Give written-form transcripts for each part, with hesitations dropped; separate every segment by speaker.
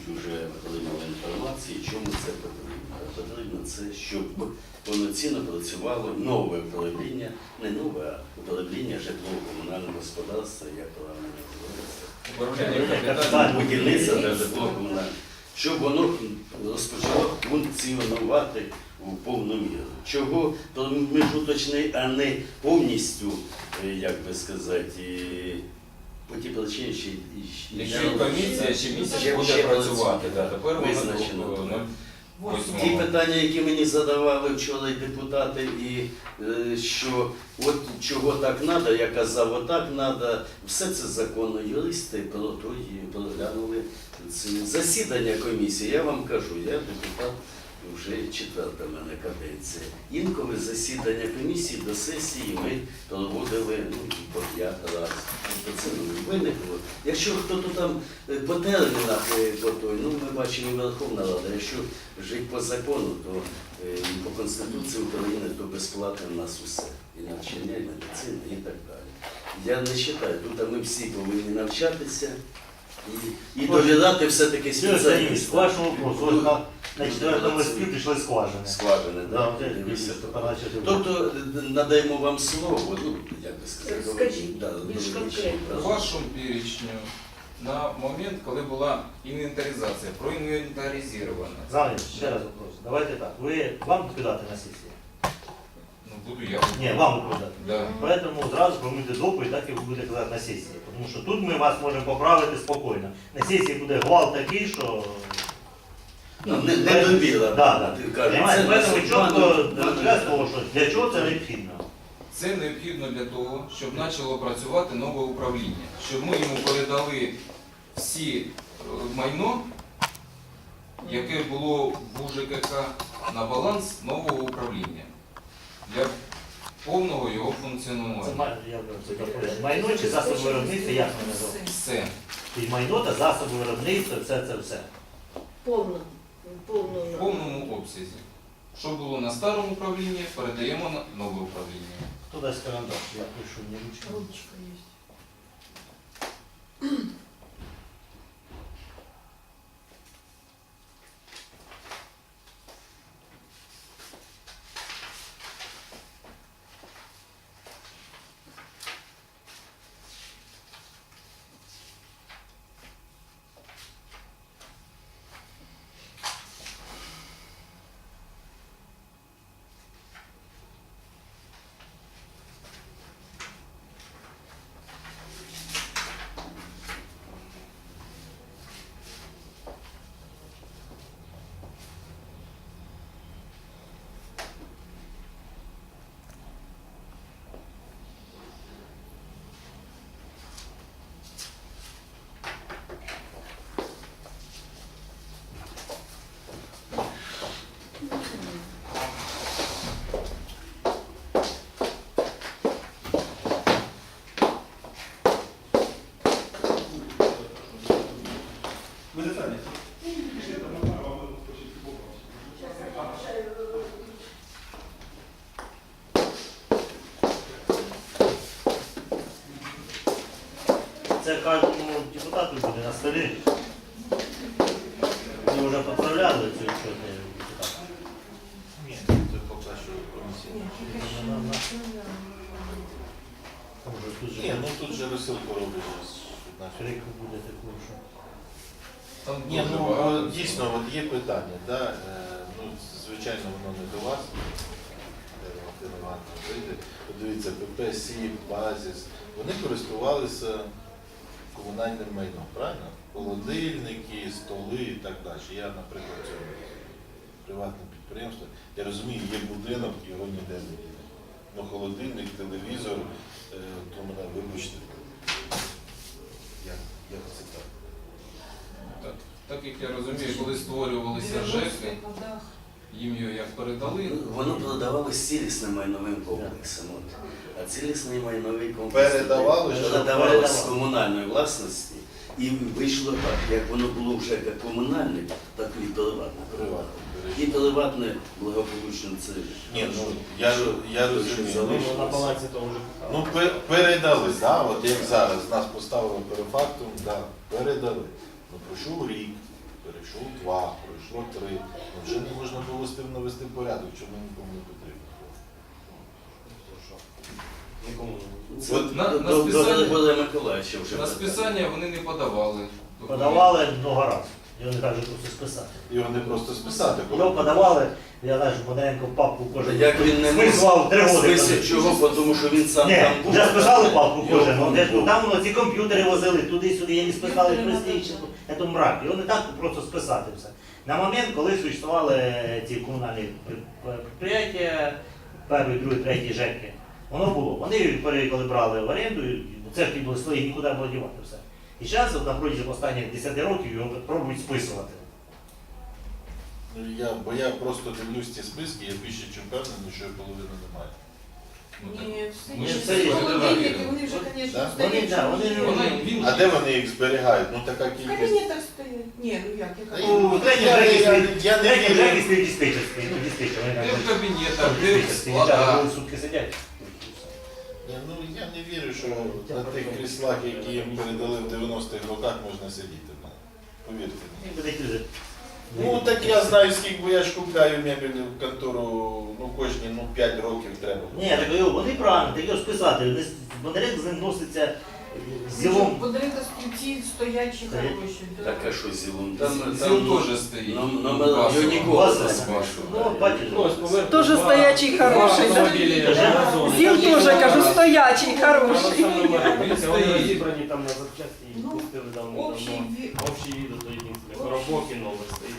Speaker 1: вже отримали інформації, чому це потрібно. Потрібно це, щоб повноцінно працювало нове управління, не нове, а управління житлово-комунального господарства, як правильно називається. Будівництво та житлово-комунальне. Щоб воно розпочало функціонувати у повну міру. Чого промежуточний, а не повністю, як би сказати, по тій причині, що
Speaker 2: Якщо комісія ще місяць буде працювати, тепер
Speaker 1: визначено. Ті питання, які мені задавали вчора і депутати, і що от чого так треба, я казав, отак треба, все це законно. Юристи проглянули засідання комісії. Я вам кажу, я депутат вже четверта в мене каденція. Інколи засідання комісії до сесії ми проводили по 5 разів. Тобто це виникло. Якщо хто-то там по термінах, ми бачимо і Верховна Рада, якщо жити по закону, то по Конституції України, то безплатно в нас усе. І навчання, і медицина, і так далі. Я не вважаю, тут ми всі повинні навчатися і довіряти все-таки спеціалістам.
Speaker 3: К вашему вопросу, на 4-му листі прийшли скважини.
Speaker 1: Скважини, так? Тобто надаємо вам слово, як би сказати,
Speaker 4: скажіть, більш конкретно.
Speaker 2: У вашому перечню на момент, коли була інвентаризація, проінвентаризована.
Speaker 3: Зараз, ще раз вопрос. Давайте так. Вам відповідати на сесії?
Speaker 2: Буду я.
Speaker 3: Ні, вам відповідати.
Speaker 2: Да.
Speaker 3: Поэтому зразу проводите доповідь, так і ви будете казати на сесії. Тому що тут ми вас можемо поправити спокійно. На сесії буде гвалт такий, що...
Speaker 1: Недовіра.
Speaker 3: Так. Поэтому чітко для того, що для чого це необхідно.
Speaker 2: Це необхідно для того, щоб почало працювати нове управління. Щоб ми йому передали всі майно, яке було в УЖКХ, на баланс нового управління. Для повного його функціонування.
Speaker 3: Це майно чи засоби виробництва, як ми називаємо?
Speaker 2: Все.
Speaker 3: І майно та засоби виробництва, це все.
Speaker 4: Повно.
Speaker 2: В повному обсязі. Що було на старому управлінні, передаємо на нове управління.
Speaker 3: Хто дасть карандаш? Я пишу, не ручка.
Speaker 4: Ручка є.
Speaker 3: Це кожному депутату буде на столі. Ми вже поправляли цю відчетні депутати.
Speaker 5: Ні, це поки що комісія. Ні, тут же розсилку роблять.
Speaker 3: Крику буде таку, що...
Speaker 2: Там
Speaker 5: Ні,
Speaker 2: дуже багато.
Speaker 5: дійсно, от є питання, да? Звичайно, воно не до вас. Валентина Івановна вийде. Подивіться, ПП, СІП, Базіс. Вони користувалися комунальним майном, правильно? Холодильники, столи і так далі. Я, наприклад, цьому приватне підприємство, я розумію, є будинок, його ніде не є. Ну, холодильник, телевізор, то мене вибачте. Як це так?
Speaker 2: Так як я розумію, коли створювалися ЖЕКи, їм його як передали.
Speaker 1: Воно продавалося цілісним майновим комплексом. А цілісний майновий комплекс передавалося з комунальної власності. І вийшло так, як воно було вже як комунальне, так і приватне. І приватне благополучно це.
Speaker 5: Ні, ну я розумію.
Speaker 3: На балансі того вже
Speaker 5: Ну, передали, да, от як зараз нас поставили перед фактом, да, передали. Ну, пройшов рік, перейшов 2, пройшло 3. Ну, вже не можна було з тим навести порядок, чому нікому не потрібно.
Speaker 6: Нікому не
Speaker 1: Це
Speaker 2: От на
Speaker 1: до
Speaker 2: списання-
Speaker 1: Григорія Миколаївича вже
Speaker 2: На
Speaker 1: питання.
Speaker 2: списання вони не подавали.
Speaker 3: Подавали много разів. Його не так же просто списати.
Speaker 5: Його не просто списати,
Speaker 3: Його подавали, я знаю, що Бондаренко в папку кожен.
Speaker 1: Як він не
Speaker 3: списував 3 роки.
Speaker 1: списує чого, тому що він сам
Speaker 3: Ні,
Speaker 1: там був.
Speaker 3: вже списали папку кожен,
Speaker 1: Його
Speaker 3: ну, де ж,
Speaker 1: був.
Speaker 3: там ці комп'ютери возили туди-сюди, я не списали престиж, це мрак. Його не так просто списати все. На момент, коли существували ці комунальні підприємства, перший, другий, третій ЖЕКи, воно було. Вони коли брали в оренду, церкві були свої, нікуди було дівати все. І зараз, на протязі останніх 10 років, його пробують списувати.
Speaker 5: Ну, бо я просто дивлюсь ці списки, я більше чим впевнений, що половини немає.
Speaker 2: Ну, так.
Speaker 4: Ні,
Speaker 2: Ми
Speaker 4: все
Speaker 2: ж
Speaker 4: є.
Speaker 3: це є.
Speaker 4: Холодильники, вони вже, звісно,
Speaker 5: Да?
Speaker 3: Вони,
Speaker 4: стоять.
Speaker 3: да, вони-
Speaker 2: Він
Speaker 5: А де вони їх зберігають? Ну така
Speaker 4: В
Speaker 5: кількість.
Speaker 4: кабінетах стоять. Ні, ну як,
Speaker 5: Та
Speaker 4: яка?
Speaker 3: У третій
Speaker 5: Я
Speaker 3: ЖЕКі
Speaker 5: не вірю.
Speaker 3: стоїть диспетчерський, ну диспетчер, вони
Speaker 2: де
Speaker 3: там
Speaker 2: в кабінетах, де в
Speaker 3: диспетчерський, дівчата
Speaker 2: складах.
Speaker 3: коли сутки сидять.
Speaker 5: Ні, ну я не вірю, що на тих кріслах, які їм передали в 90-х роках, можна сидіти. Повірте мені.
Speaker 3: Ні, такі вже.
Speaker 5: Ну так я знаю, скільки, бо я ж купляю мебель в контору, ну кожні 5 років треба.
Speaker 3: Ні, так його, вони правильно, так його ж писати. Бондаренко з ним носиться з зілом.
Speaker 4: Подарунки ті стоячі хороші. да.
Speaker 1: Так, а що зілом?
Speaker 2: Зіл теж стоїть.
Speaker 1: Номер
Speaker 2: Басова.
Speaker 1: його ніколи не
Speaker 3: Басова.
Speaker 1: спрашував.
Speaker 3: Ну, бачиш,
Speaker 7: Тоже стоячий хороший, да? Зіл тоже, кажу, стоячий, хороший.
Speaker 2: Він
Speaker 6: Вони
Speaker 2: стоїть.
Speaker 6: розібрані там на запчасті і
Speaker 4: Ну,
Speaker 6: пустили давно.
Speaker 4: Общий ві-
Speaker 6: Общий від до єдиниці. Коробок і новий стоїть.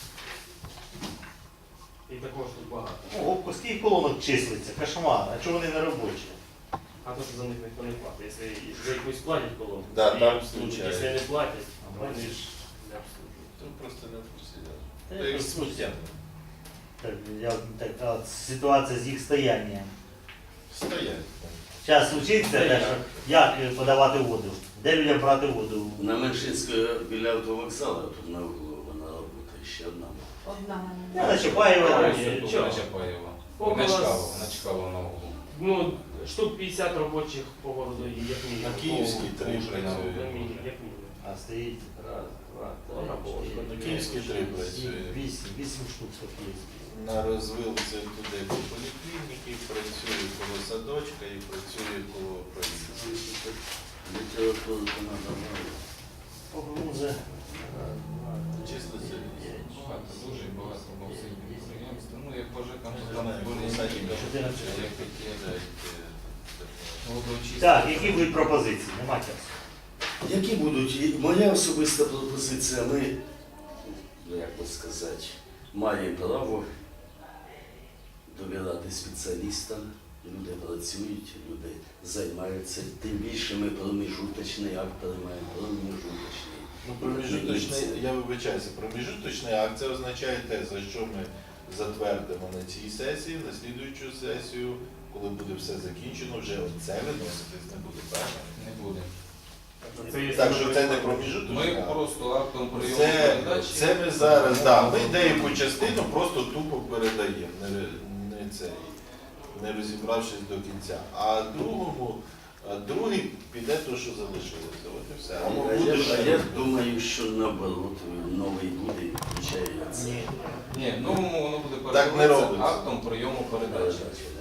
Speaker 6: І такого ж тут багато.
Speaker 3: о, скільки колонок числиться, кошмар, а чого вони не робочі?
Speaker 6: А то, що за них ніхто не платить. Якщо за якусь платять колонку,
Speaker 5: Да,
Speaker 6: і
Speaker 5: там
Speaker 6: обслужують.
Speaker 5: случаї.
Speaker 6: Якщо не платять, вони ж не обслужують.
Speaker 5: Це просто не в курсі.
Speaker 3: Та
Speaker 5: Та
Speaker 3: я
Speaker 5: як
Speaker 3: просто-
Speaker 5: сміття.
Speaker 3: Так, така ситуація з їх стоянням.
Speaker 5: Стоять.
Speaker 3: Зараз случиться, те, що як подавати воду, де людям брати воду.
Speaker 1: На Меншинської біля автовокзалу, тут на углу вона працює, ще одна.
Speaker 4: Одна.
Speaker 3: Я на Чапаєва.
Speaker 6: Чого?
Speaker 2: На Чапаєва.
Speaker 6: Около
Speaker 2: На Чкалова,
Speaker 6: с-
Speaker 2: на Чкалова на углу.
Speaker 6: Ну, штук 50 робочих по городу, як мінімум.
Speaker 5: На Київській
Speaker 6: По
Speaker 5: 3
Speaker 6: Пушкіна,
Speaker 5: працює.
Speaker 6: як мінімум, як мінімум.
Speaker 3: А стоїть раз, два,
Speaker 6: Вона
Speaker 3: три,
Speaker 6: була.
Speaker 3: чотири,
Speaker 5: На Київській 3 працює.
Speaker 3: вісім штук таких.
Speaker 5: На розвилці туди по поліклініки, працює коло садочка і працює коло поліції.
Speaker 1: Літературу вона давала.
Speaker 3: Погрузи.
Speaker 5: Числиться.
Speaker 2: Багато, дуже багато всіх підприємств. Ну, як по ЖЕКам, то
Speaker 5: Я
Speaker 2: там
Speaker 5: знаю,
Speaker 2: були
Speaker 5: Садик,
Speaker 2: які
Speaker 3: 14.
Speaker 2: як такі, молодочі.
Speaker 3: Так, які будуть пропозиції? Нема часу.
Speaker 1: Які будуть? І моя особиста пропозиція, ми, ну як би сказати, маємо право довіряти спеціалістам. Люди працюють, люди займаються. Тим більше ми проміжуточний акт приймаємо, проміжуточний.
Speaker 5: Ну, проміжуточний, я вибачаюся, проміжуточний акт це означає те, за що ми затвердимо на цій сесії, на слідуючу сесію, коли буде все закінчено, вже оце виноситись не буде, правильно?
Speaker 2: Не буде.
Speaker 6: є
Speaker 5: Так що це не
Speaker 6: саме-
Speaker 5: проміжуточний
Speaker 2: Ми
Speaker 5: акт.
Speaker 2: просто актом прийому
Speaker 5: Це,
Speaker 2: передачі.
Speaker 5: це ми зараз, да, ми деяку частину просто тупо передаємо, не розібравшись до кінця. А другий піде то, що залишилося. От і все. Або буде
Speaker 1: А
Speaker 5: ще.
Speaker 1: я думаю, що наоборот, новий буде і включає це.
Speaker 2: Ні, в новому воно буде
Speaker 5: Так не
Speaker 2: передаватися
Speaker 5: робиться.
Speaker 2: актом прийому передачі.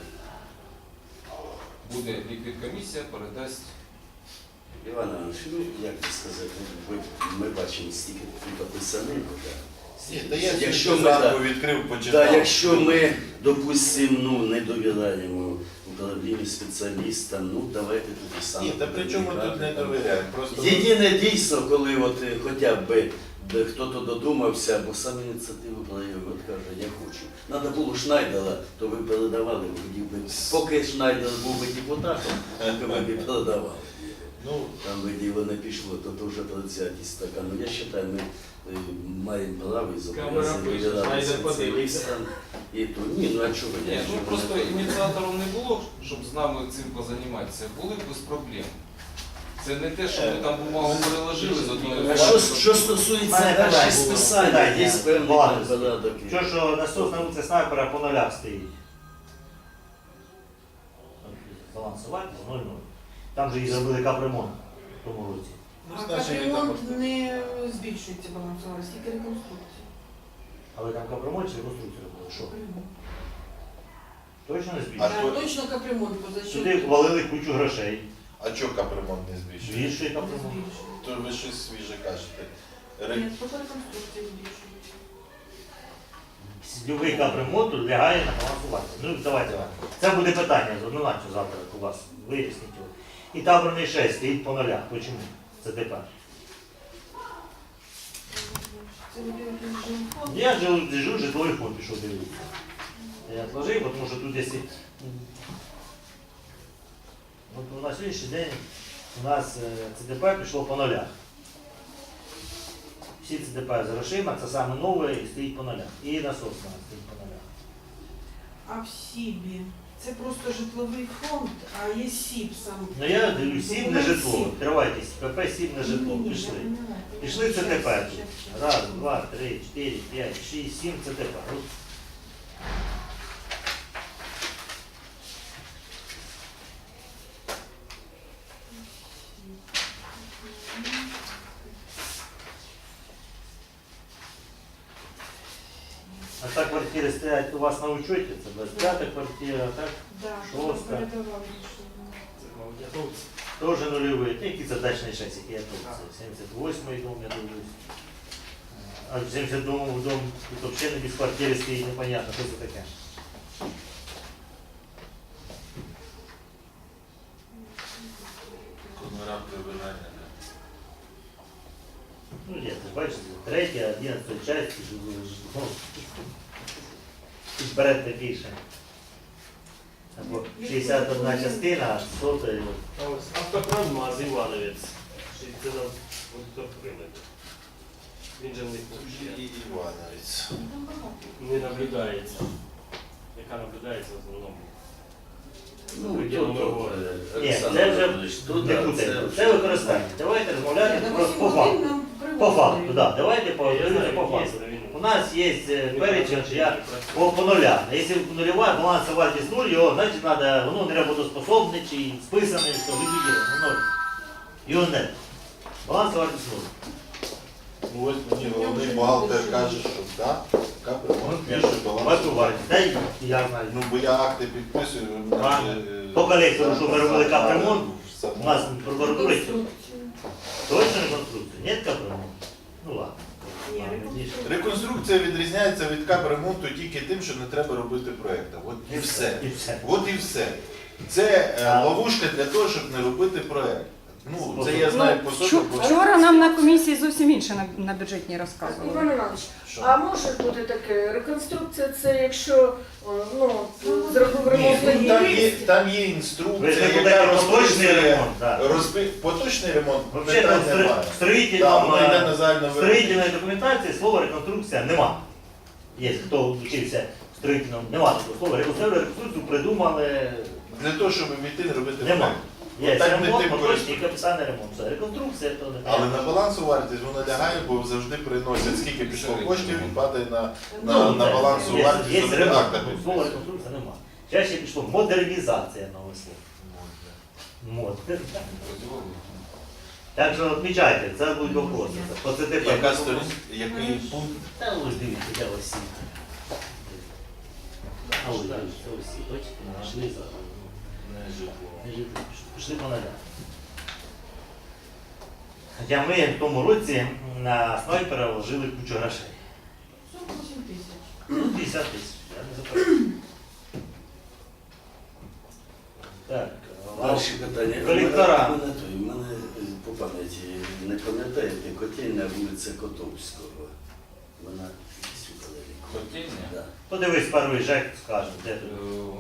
Speaker 2: Буде ліквідкомісія, передасть.
Speaker 1: Іван Іванович, ну як би сказати, ми бачимо стільки тут описаних.
Speaker 5: Ні, та я
Speaker 1: Якщо
Speaker 5: якщо
Speaker 1: ми,
Speaker 5: зранку відкрив, почитав.
Speaker 1: Да, якщо ми, допустимо, не довіряємо управлінню спеціалістам, ну давайте тут і саме.
Speaker 5: Ні, та при чому тут не довіряємо? Просто
Speaker 1: Єдине дійсно, коли от хоча б хто-то додумався, або сам ініціативу проявив, от каже, я хочу. Треба було Шнайдера, то ви передавали, хотів би. Поки Шнайдер був би депутатом, то ви б передавали.
Speaker 5: ну,
Speaker 1: Там би діло не пішло, то вже предвзятість така. Ну я вважаю, ми маємо право і
Speaker 6: Камера
Speaker 1: зобов'язані
Speaker 6: пише,
Speaker 1: довіряти
Speaker 6: Шнайдер
Speaker 1: спеціалістам. І то ні, ну а чого ви?
Speaker 2: Ні, ну
Speaker 1: Чого
Speaker 2: просто
Speaker 1: ви?
Speaker 2: ініціатором не було, щоб з нами цим позайматися. Були б без проблем. Це не те, що ми там бумагу переложили з одної
Speaker 1: А що стосується
Speaker 3: Мене
Speaker 1: далі
Speaker 3: питання
Speaker 1: списання,
Speaker 3: було.
Speaker 1: є певний
Speaker 3: Баланс.
Speaker 1: порядок.
Speaker 3: Що насос на вулиці снайпера по нулях стоїть. Балансувати 0-0. Там же і зробили капремонт в тому році.
Speaker 5: ну,
Speaker 4: А
Speaker 5: значить,
Speaker 4: капремонт не збільшує збільшується балансова, скільки реконструкції.
Speaker 3: Але там капремонт чи реконструкція робили? Що? Точно не
Speaker 5: А
Speaker 3: збільшує?
Speaker 5: то-
Speaker 4: Точно капремонт, бо за що
Speaker 3: Сюди ввалили кучу грошей.
Speaker 5: А чого капремонт не збільшує?
Speaker 3: Збільшує
Speaker 4: не
Speaker 3: капремонт.
Speaker 4: збільшує.
Speaker 5: То ви щось свіже кажете.
Speaker 4: Ні, тільки реконструкції збільшують.
Speaker 3: Любий капремонт лягає на балансування. Ну, давайте. Це буде питання однозначно завтра у вас. Виясніть його. І таборний 6 стоїть по нулях. Чому? Це тепер.
Speaker 4: Це буде якийсь жилфонд.
Speaker 3: Я жив житловий фонд, пішов дивитися. Я отложив, тому що тут якщо... От на сьогоднішній день у нас ЦДП пішло по нулях. Всі ЦДП з грошима, це саме нове і стоїть по нулях. І насос у нас стоїть по нулях.
Speaker 4: А в СІБі це просто житловий фонд, а є СІБ сам.
Speaker 3: Ну я дивлюсь, сім не житло. Тривайтесь, ПП 7 не житло.
Speaker 4: Ні-ні-ні,
Speaker 3: Пішли.
Speaker 4: я поняла.
Speaker 3: Пішли ЦТП
Speaker 4: Щас,
Speaker 3: тут.
Speaker 4: щас, щас.
Speaker 3: Раз, два, три, 4, 5, 6, 7 ЦТП. От. А так квартири стоять у вас на учеті, це 25 квартира, так?
Speaker 4: Да,
Speaker 3: Шоста.
Speaker 4: передавали рішення.
Speaker 6: Це, мабуть, готовці.
Speaker 3: Теж нульовий. Який це дачний 6, який я тут? 78-й дом, я дивлюсь. А в 72-му дом тут взагалі не без квартири стоїть, непонятно, що це таке.
Speaker 5: Конора прибирання.
Speaker 3: Ну, є, ти ж бачиш, 3, 11 часть, ну, і берете більше. Або 61 частина, а 100
Speaker 6: А ось автопромаз Івановець. Це нам хто прийняти. Він же в них
Speaker 5: І Івановець.
Speaker 6: не наблюдається. Яка наблюдається в основному.
Speaker 1: Ну,
Speaker 6: Приділом
Speaker 1: тут,
Speaker 6: його.
Speaker 3: Ні,
Speaker 1: Олександр
Speaker 3: це вже
Speaker 1: Анатолійович, тут,
Speaker 3: не
Speaker 1: да,
Speaker 3: путайте. Це використання. Давайте розмовляти
Speaker 4: Ні, на
Speaker 3: просто
Speaker 4: 8
Speaker 3: по факту.
Speaker 4: годин нам
Speaker 3: По факту,
Speaker 4: привозили.
Speaker 3: так. Давайте по
Speaker 6: Я знаю,
Speaker 3: по
Speaker 6: є,
Speaker 3: факту.
Speaker 6: але він-
Speaker 3: У нас є перечень, я по нулям. Якщо нульова балансова вартість 0, його, значить, треба, воно не роботоспособне чи списане, що ліквідовано, 0. Його не. Балансова вартість 0.
Speaker 5: Ну ось мені головний бухгалтер каже, що так, капремонт більше
Speaker 3: Варту
Speaker 5: балансу.
Speaker 3: вартість. Дай, я знаю.
Speaker 5: Ну бо я акти підписую, ви мене
Speaker 3: Правильно.
Speaker 5: вже,
Speaker 3: По колектору, що ми робили капремонт,
Speaker 5: саме.
Speaker 3: у нас прокуратура
Speaker 4: Реконструкцію.
Speaker 3: точно реконструкція. Нет капремонту? Ну ладно.
Speaker 4: Ні, реконструкція.
Speaker 5: Реконструкція відрізняється від капремонту тільки тим, що не треба робити проєкту. От і все.
Speaker 3: І все.
Speaker 5: От і все. Це ловушка для того, щоб не робити проєкт. Ну, це я знаю по собі, бо
Speaker 7: Вчора нам на комісії зовсім інше на бюджетній розказували.
Speaker 8: Іван Іванович,
Speaker 5: що?
Speaker 8: а може бути таке, реконструкція це якщо ну, зробив
Speaker 5: Ні,
Speaker 8: ремонт
Speaker 5: ну,
Speaker 8: однієї
Speaker 5: там є
Speaker 3: Ви ж
Speaker 5: інструкція,
Speaker 3: не
Speaker 5: яка
Speaker 3: будете поточний
Speaker 5: розписує
Speaker 3: ремонт, так.
Speaker 5: поточний ремонт,
Speaker 3: Взагалі там
Speaker 5: питань немає.
Speaker 3: в
Speaker 5: Так, воно йде на загальну
Speaker 3: строїтельної документації слова реконструкція нема. Є, хто вчився в строїтельному, нема такого слова. Реконструкцію придумали,
Speaker 5: Не то, щоб війти не робити
Speaker 3: нема.
Speaker 5: проєкт.
Speaker 3: Є
Speaker 5: Так не
Speaker 3: ремонт,
Speaker 5: тим
Speaker 3: поточний і
Speaker 5: користуюсь.
Speaker 3: капітальний ремонт. Все, реконструкція то не
Speaker 5: Але на балансу вартість воно лягає, бо завжди приносять, скільки пішло коштів, і падає на
Speaker 3: Ну,
Speaker 5: на
Speaker 3: це
Speaker 5: балансу
Speaker 3: є-
Speaker 5: вартість
Speaker 3: є
Speaker 5: завжди
Speaker 3: ремонт.
Speaker 5: акта
Speaker 3: Слова
Speaker 5: підписує.
Speaker 3: реконструкція нема. Чаще пішло модернізація нове слово. Мод. Так що відмічайте, це будуть вопроси. По ЦТП.
Speaker 5: Яка сторінка, який пункт?
Speaker 3: Та ось дивіться, я ось всі. А ось дивіться, ось всі. Бачите, пішли за.
Speaker 5: Не житло.
Speaker 3: Не жити, пішли по нулям. Хоча ми в тому році на снайпера вложили кучу грошей.
Speaker 4: 48 тисяч.
Speaker 3: Ну, 50 тисяч, я не заперечую. Так,
Speaker 1: Далі питання.
Speaker 3: Колектора.
Speaker 1: У мене по пам'яті не пам'ятаєте, котельня вулиця Котовського. Вона десь у Калерії.
Speaker 2: Котельня?
Speaker 1: Да.
Speaker 3: подивись перший ЖЕК, скаже, де тут.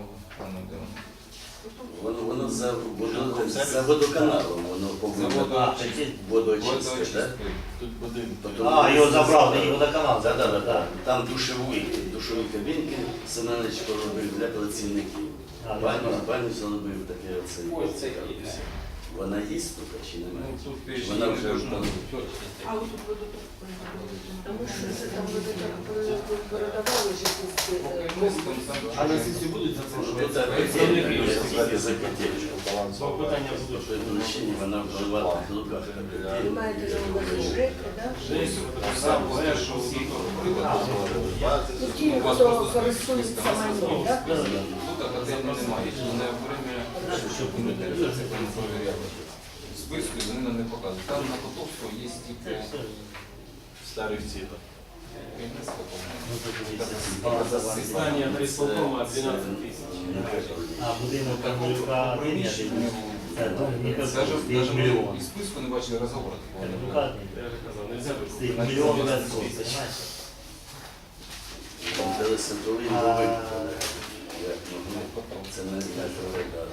Speaker 1: Воно за водоканалом, воно
Speaker 2: За
Speaker 1: повинно
Speaker 3: А, це ті-
Speaker 1: водоочистки, так?
Speaker 5: Тут будинок.
Speaker 3: А, його забрав, тоді водоканал.
Speaker 1: Так, так,
Speaker 3: так.
Speaker 1: так. Там душові кабінки Семенович поробив для працівників.
Speaker 3: А,
Speaker 1: Баню зробив таке оце.
Speaker 2: Ось це є.
Speaker 1: Вона є тут чи немає?
Speaker 2: Ну, тут
Speaker 1: Чи
Speaker 2: ти ж
Speaker 1: вона
Speaker 2: не
Speaker 1: вже
Speaker 2: должна
Speaker 1: там?
Speaker 2: бути.
Speaker 4: А ось тут водоток.
Speaker 8: Тому що це там люди так передавали ж якісь.
Speaker 2: Поки ми з Константином-
Speaker 5: А на сесії будуть запрошувати?
Speaker 1: Це
Speaker 2: Представники
Speaker 1: котельня,
Speaker 2: ж
Speaker 1: я за котельню.
Speaker 5: балансового.
Speaker 6: Питання
Speaker 1: По той причині вона в приватних руках.
Speaker 8: Ви маєте на увазі ЖЕК, так?
Speaker 2: Сам першу всі
Speaker 8: Ну, ті, хто користується майном, так?
Speaker 2: тут академії немає. Не время, щоб не це перевіряти. Списку вони нам не показують. Там на Котовського є тільки
Speaker 5: Старих цінах.
Speaker 2: керівництво,
Speaker 3: Ну, тут дивіться,
Speaker 2: по-моєму.
Speaker 3: база
Speaker 6: Здання адреслокома 12 тисяч.
Speaker 3: А будинок Кармелюка один, я дивлюсь. Це Міхалков,
Speaker 2: Даже
Speaker 3: стоїть
Speaker 2: ми
Speaker 3: мільйон.
Speaker 2: і списку не бачили розговору.
Speaker 3: Кармелюка
Speaker 6: Я вже казав, нельзя
Speaker 3: стоїть
Speaker 6: викупити.
Speaker 3: мільйон версов, понимаєте?
Speaker 1: Телесентровий
Speaker 3: А,
Speaker 1: новий. Це не знаю,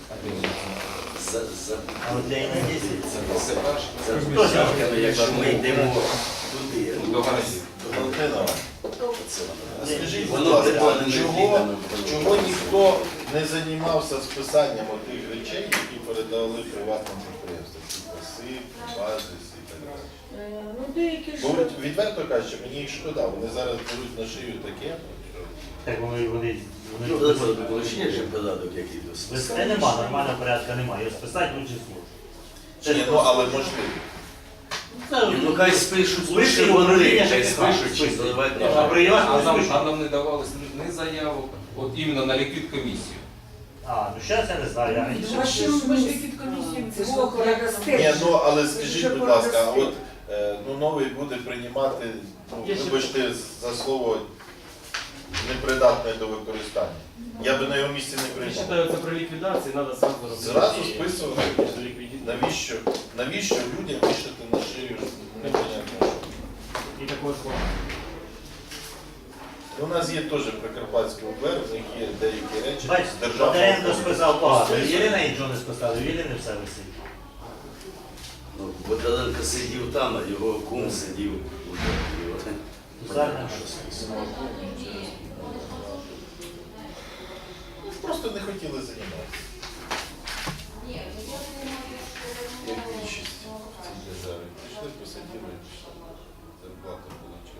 Speaker 3: А от для ІН-10
Speaker 2: Це перше.
Speaker 1: це розпочатками, якщо ми йдемо туди.
Speaker 2: До гаражів.
Speaker 5: Валентина,
Speaker 1: Це
Speaker 5: а скажіть, будь
Speaker 1: воно
Speaker 5: ласка,
Speaker 1: прикладеними
Speaker 5: чого
Speaker 1: квітами.
Speaker 5: чого ніхто не займався списанням тих речей, які передали приватним підприємствам? Типу СИП, базис і так далі.
Speaker 8: Ну, деякі ж...
Speaker 5: Бо відверто кажучи, мені їх шкода, вони зараз беруть на шию таке.
Speaker 3: так вони
Speaker 1: Ну, Олександр, ще ж податок який до
Speaker 3: Це нема, нормального порядку немає. Його списати лучше службу.
Speaker 5: Ні, ну але можливо.
Speaker 1: Ну хай спишуть,
Speaker 3: Спишуть,
Speaker 1: лише вони,
Speaker 3: управління
Speaker 1: хай
Speaker 3: ЖКХ
Speaker 1: спишуть, чи
Speaker 3: спишуть.
Speaker 1: заливати
Speaker 3: А
Speaker 1: на
Speaker 3: приватно
Speaker 2: А
Speaker 3: спишуть.
Speaker 2: нам не давалось ні заявок, от іменно на ліквід комісію.
Speaker 3: А, ну зараз я не знаю, я раніше.
Speaker 4: Ми ж від комісії
Speaker 8: Це ж
Speaker 4: двох
Speaker 8: порядок
Speaker 4: разом.
Speaker 5: Ні, ну але скажіть, будь ласка, а от ну, новий буде приймати, ну, вибачте за слово, непридатне до використання. Я би на його місці не
Speaker 6: Я
Speaker 5: прийняв.
Speaker 6: вважаю, це при ліквідації треба зразу робити.
Speaker 5: Зразу списувати.
Speaker 6: Ліквідацію.
Speaker 5: Навіщо людям вішати на шию непонятно?
Speaker 6: І також
Speaker 5: У нас є теж Прикарпатський УБР, в них є деякі речі з
Speaker 3: Бачите,
Speaker 5: державного.
Speaker 3: Бондаренко списав погано. Єлена нічого не списала, у Єлени все висить.
Speaker 1: Ну, Бондаренко сидів там, а його кум сидів у Дорогі.
Speaker 3: Зараз
Speaker 5: Просто не хотіли займатися. Як більшість в цій державі. Пішли, посадили і пішли. Зарплата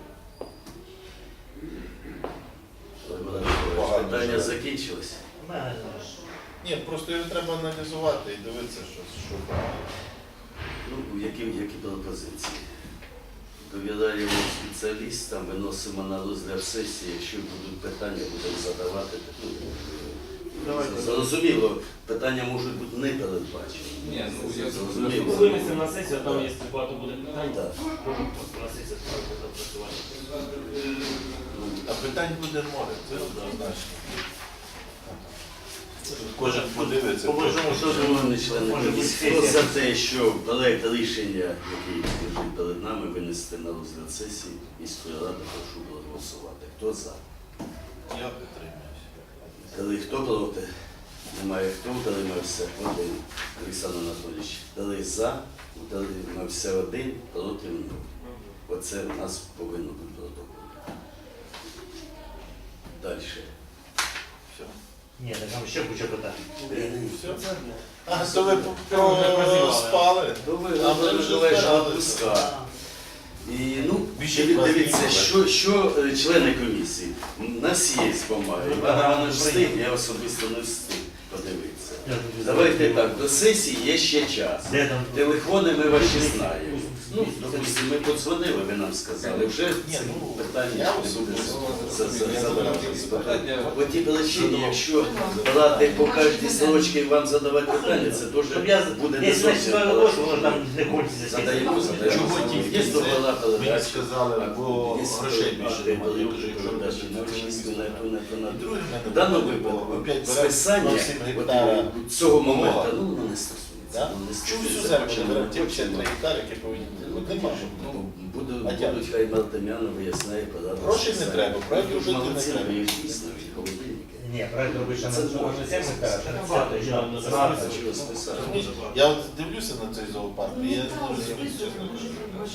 Speaker 5: отримали.
Speaker 1: Питання закінчилось.
Speaker 3: у мене
Speaker 5: Ні, просто його треба аналізувати і дивитися, що правильно.
Speaker 1: Ну, які пропозиції? Довіряємо спеціалістам, виносимо на розгляд сесії, якщо будуть питання, будемо задавати. Ну, зрозуміло, питання можуть бути не передбачені.
Speaker 2: Ні, ну я
Speaker 1: Зрозуміло.
Speaker 6: винесемо на сесію, а там є багато буде питань.
Speaker 1: Так.
Speaker 6: Можемо просто на сесію справді запрацювати.
Speaker 5: А питань буде море, це однозначно. Кожен подивиться.
Speaker 3: По-божому, що
Speaker 1: Шановні члени
Speaker 3: Може бути
Speaker 1: комісії, хто
Speaker 3: сесія.
Speaker 1: за те, що проект рішення, який лежить перед нами, винести на розгляд сесії міської ради, прошу проголосувати. Хто за?
Speaker 5: Я підтримуюся.
Speaker 1: Коли хто проти? Немає хто утримався? Один. Олександр Анатолійович. 3 за, утримався 1, проти 0. Оце у нас повинно бути протокол. Далі.
Speaker 5: Все.
Speaker 3: Ні, так там ще куча питань.
Speaker 5: Все. А, то ви спали.
Speaker 1: То ви
Speaker 5: А ми вже
Speaker 1: Миколаївич
Speaker 5: збиралися.
Speaker 1: відпускав. І, ну,
Speaker 5: Більше
Speaker 1: дивіться,
Speaker 5: вас
Speaker 1: що члени комісії, у нас є бумаги. Іван Іванович встиг, я особисто не встиг подивитися. Давайте так, до сесії є ще час.
Speaker 3: Де там?
Speaker 1: Телефони ми ваші знаємо. Ну, допустимо, ми подзвонили, ви нам сказали, вже
Speaker 5: Ні,
Speaker 1: ці
Speaker 5: ну,
Speaker 1: питання
Speaker 5: я
Speaker 1: не буде
Speaker 5: особисто
Speaker 1: задавати. По ті причині, якщо брати по кожній строчці і вам задавати питання, це
Speaker 3: Щоб
Speaker 1: теж
Speaker 3: я,
Speaker 1: буде не
Speaker 3: якщо
Speaker 1: зовсім
Speaker 3: я
Speaker 1: хорошо.
Speaker 3: роботу, воно там не кончиться.
Speaker 1: Задаємо.
Speaker 5: Чого тільки
Speaker 1: Є
Speaker 5: це?
Speaker 1: договора
Speaker 5: Мені
Speaker 1: передачі.
Speaker 5: сказали, бо грошей більше немає. Я кажу, якщо
Speaker 1: передачі на
Speaker 5: передачі,
Speaker 1: очистку, на ту, на ту, на
Speaker 5: І
Speaker 1: ту.
Speaker 5: друге в мене
Speaker 1: В даному
Speaker 5: було,
Speaker 1: випадку
Speaker 5: опять беремо
Speaker 1: списання
Speaker 5: 0,7 гектара
Speaker 1: от цього моменту
Speaker 5: полога.
Speaker 1: ну, воно не стосується.
Speaker 5: Да?
Speaker 1: Воно не
Speaker 5: Чому всю
Speaker 1: стосується.
Speaker 5: землю не беремо ті
Speaker 1: Хочемо.
Speaker 5: 53 гектари, які повинні бути? Ну, нема.
Speaker 1: Ну,
Speaker 5: А як?
Speaker 1: будуть хай Мартемяну виясняє податок.
Speaker 5: Грошей не треба, проект робити не
Speaker 1: Молодці,
Speaker 5: треба.
Speaker 1: ви їх дійсно, і холодильники.
Speaker 3: Ні, проект робить ще
Speaker 1: Це
Speaker 3: на
Speaker 1: можна
Speaker 3: 7 гектарів, ще на 50, ще на 13.
Speaker 1: Чого списати?
Speaker 5: Я от дивлюся на цей зоопарк, і я не розумію, чесно кажучи.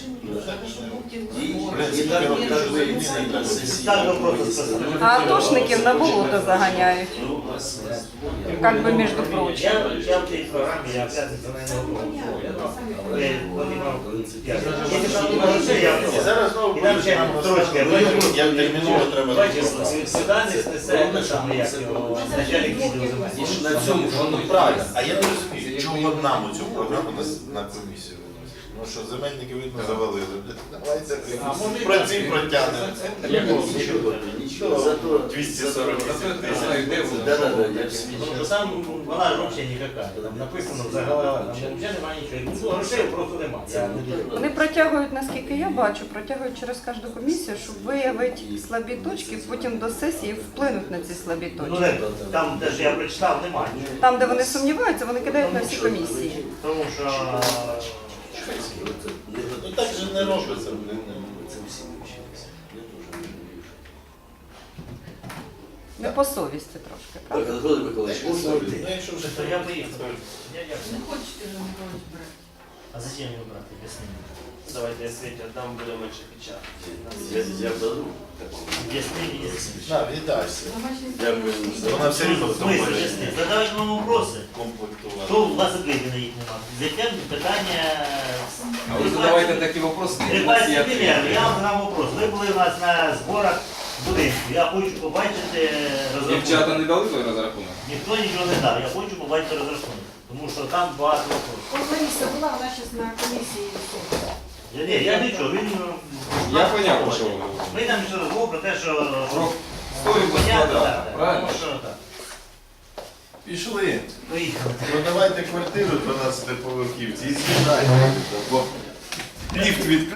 Speaker 1: І так ви і це на сесії.
Speaker 3: Так, просто списати.
Speaker 7: А атошників на болото заганяють.
Speaker 1: Ну, у вас
Speaker 7: Как бы между прочим.
Speaker 3: Я в цій програмі, я п'ятницю на не готовий. Я навіть не грошей, я
Speaker 5: зараз знову
Speaker 3: І нам ще нам трошки,
Speaker 5: як терміново треба
Speaker 3: бачиш,
Speaker 5: розібратися.
Speaker 3: Світанець несе те саме, як його начальник відділу
Speaker 1: І ж
Speaker 3: земель.
Speaker 1: на цьому
Speaker 5: Ну
Speaker 1: воно
Speaker 5: правильно, а я не розумію, чого нам цю програму на комісію виносять? Ну що, земельники, видно, завалили. Давайте працюємо, протягнемо.
Speaker 1: нічого, нічого. Зато
Speaker 5: 240
Speaker 2: Зато я знаю, де воно.
Speaker 1: Да-да-да, я
Speaker 3: Ну, що там вона ж взагалі ніяка. Там написано взагалі, там взагалі немає нічого. Ну, грошей просто немає. Я не дуже.
Speaker 7: Вони протягують, наскільки я бачу, протягують через кожну комісію, щоб виявити слабі точки, потім до сесії вплинуть на ці слабі
Speaker 3: Ну,
Speaker 7: точки.
Speaker 3: не, там, де ж я прочитав, немає.
Speaker 7: Там, де вони сумніваються, вони кидають на всі комісії.
Speaker 3: Тому що
Speaker 5: Ну так же не робиться, блін.
Speaker 1: Це всі вчилися. Я теж не вірю.
Speaker 7: Не по совісті трошки,
Speaker 1: Так,
Speaker 7: правда?
Speaker 1: Анатолій Миколаївич, можна йти?
Speaker 5: Ну якщо вже
Speaker 3: то я поїхав.
Speaker 4: Не хочете же Миколаївич брати?
Speaker 3: А зачем його брати? Об'ясни.
Speaker 6: Давайте я Світі віддам, буде менше печати.
Speaker 1: Я беру такого.
Speaker 3: Об'ясни, об'ясни.
Speaker 5: на, віддайся.
Speaker 1: Дякую за
Speaker 5: Вона все рівно в тому
Speaker 3: Смисл, об'ясни. Задавайте вам вопроси.
Speaker 5: комплектувати.
Speaker 3: Що у вас відповіді на їх немає? Затем питання...
Speaker 2: А ви задавайте такі вопроси, які у нас є
Speaker 3: Припасти пример.
Speaker 2: відповіді.
Speaker 3: Я вам задам вопрос. Ви були у нас на зборах будинку. Я хочу побачити розрахунок.
Speaker 2: Дівчата не дали той розрахунок?
Speaker 3: Ніхто нічого не дав. Я хочу побачити розрахунок. Тому що там багато вопросів.
Speaker 4: Лариса була, вона зараз на комісії.
Speaker 3: Ні, я нічого. Він...
Speaker 2: Я поняв, що ви говорите.
Speaker 3: Ми там ще розмов про те, що...
Speaker 2: Про стоїть
Speaker 3: Понятно,
Speaker 2: квадрата,
Speaker 3: так.
Speaker 2: правильно?
Speaker 3: Тому що так.
Speaker 5: Пішли.
Speaker 3: Поїхали.
Speaker 5: Продавайте квартиру 12 поверхівці і з'їжджайте. Бо ліфт відкрив.